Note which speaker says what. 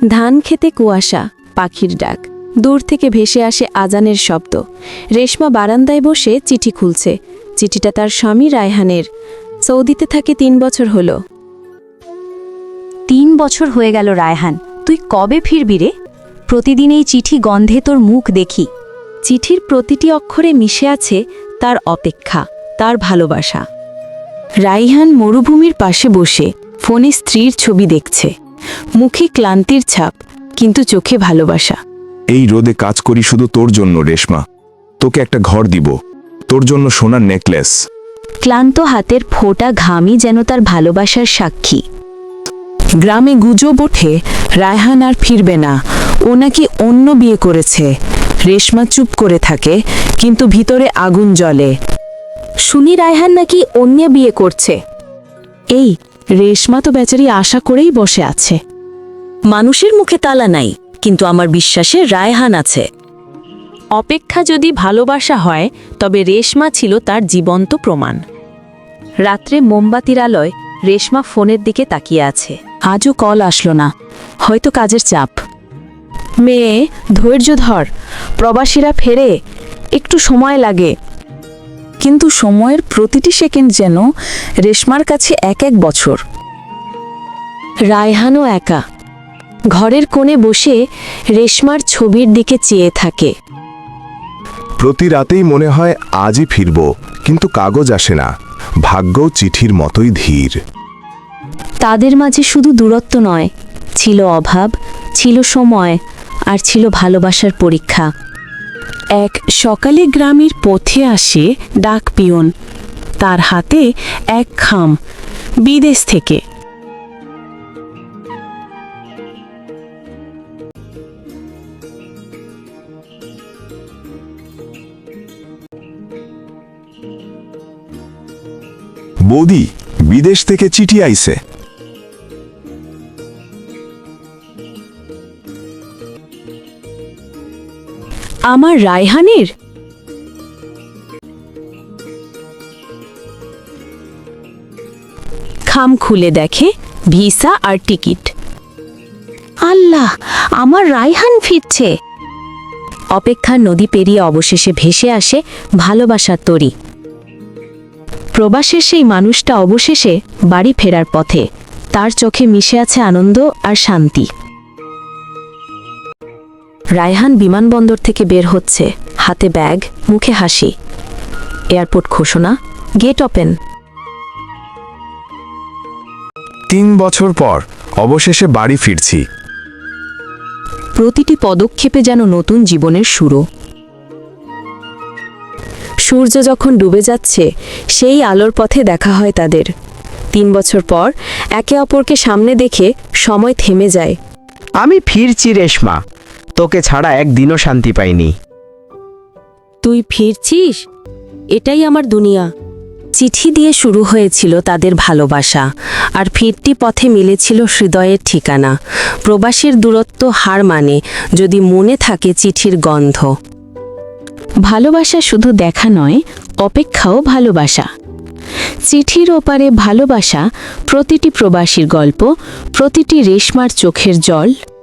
Speaker 1: ধান খেতে কুয়াশা, পাখির ডাক, দূর থেকে ভেসে আসে আজানের শব্দ। রেশমা বারান্দায় বসে চিঠি খুলছে। চিঠিটা তার স্বামী রায়হানের। সৌদিতে থাকে 3 বছর হলো।
Speaker 2: 3 বছর হয়ে গেল রায়হান, তুই কবে ফিরবি রে? প্রতিদিন এই চিঠি গন্ধে তোর মুখ দেখি।
Speaker 1: চিঠির প্রতিটি অক্ষরে মিশে আছে তার অপেক্ষা, তার ভালোবাসা। রায়হান মরুভূমির পাশে বসে ফোনে স্ত্রীর ছবি দেখছে। মুখে ক্লান্তির ছাপ, কিন্তু চোখে ভালোবাসা।
Speaker 3: এই রোদে কাজ করি শুধু তোর জন্য রেশমা। তোকে একটা ঘর দিব, তোর জন্য সোনার নেকলেস।
Speaker 2: ক্লান্ত হাতের ফোঁটা ঘামই যেন তার ভালোবাসার সাক্ষী।
Speaker 1: গ্রামে গুজব ওঠে রায়হান আর ফিরবে না, ও নাকি অন্য বিয়ে করেছে। রেশমা চুপ করে থাকে, কিন্তু ভিতরে আগুন জ্বলে। শুনি রায়হান নাকি অন্য বিয়ে করছে। এই রেশমা তো বেচারি আশা করেই বসে আছে।
Speaker 2: মানুষের মুখে তালা নাই, কিন্তু আমার বিশ্বাসে রায়হান আছে।
Speaker 1: অপেক্ষা যদি ভালোবাসা হয়, তবে রেশমা ছিল তার জীবন্ত প্রমাণ। রাত্রে মোমবাতির আলোয় রেশমা ফোনের দিকে তাকিয়ে আছে। আজও কল আসলো না, হয়তো কাজের চাপ। মেয়ে, ধৈর্য ধর, প্রবাসীরা ফেরে, একটু সময় লাগে। কিন্তু সময়ের প্রতিটি সেকেন্ড যেন রেশমার কাছে এক এক বছর। রায়হানও একা ঘরের কোণে বসে রেশমার ছবির দিকে চেয়ে থাকে।
Speaker 3: প্রতি রাতেই মনে হয় আজই ফিরব, কিন্তু কাগজ আসে না। ভাগ্যও চিঠির মতোই ধীর।
Speaker 2: তাদের মাঝে শুধু দূরত্ব নয়, ছিল অভাব, ছিল সময়, আর ছিল ভালোবাসার পরীক্ষা।
Speaker 1: এক সকালে গ্রামের পথে আসে ডাক পিয়ন। তার হাতে এক খাম, বিদেশ থেকে।
Speaker 3: বৌদি, বিদেশ থেকে চিঠি আইছে।
Speaker 1: আমার রায়হানের? খাম খুলে দেখে ভিসা আর টিকিট।
Speaker 2: আল্লাহ, আমার রায়হান ফিরছে। অপেক্ষার নদী পেরিয়ে অবশেষে ভেসে আসে ভালোবাসার তরী।
Speaker 1: প্রবাসের সেই মানুষটা অবশেষে বাড়ি ফেরার পথে। তার চোখে মিশে আছে আনন্দ আর শান্তি। রায়হান বিমানবন্দর থেকে বের হচ্ছে, হাতে ব্যাগ, মুখে হাসি। এয়ারপোর্ট ঘোষণা, গেট ওপেন।
Speaker 3: 3 বছর পর অবশেষে বাড়ি ফিরছি।
Speaker 1: প্রতিটি পদক্ষেপে যেন নতুন জীবনের শুরু। সূর্য যখন ডুবে যাচ্ছে, সেই আলোর পথে দেখা হয় তাদের। 3 বছর পর একে অপরকে সামনে দেখে সময় থেমে যায়।
Speaker 4: আমি ফিরছি রেশমা, তোকে ছাড়া একদিনও শান্তি পাইনি।
Speaker 1: তুই ফিরছিস? এটাই আমার দুনিয়া। চিঠি দিয়ে শুরু হয়েছিল তাদের ভালোবাসা, আর ফিরতি পথে মিলেছিল হৃদয়ের ঠিকানা। প্রবাসীর দূরত্ব হার মানে, যদি মনে থাকে চিঠির গন্ধ। ভালোবাসা শুধু দেখা নয়, অপেক্ষাও ভালোবাসা। চিঠির ওপারে ভালোবাসা, প্রতিটি প্রবাসীর গল্প, প্রতিটি রেশমার চোখের জল।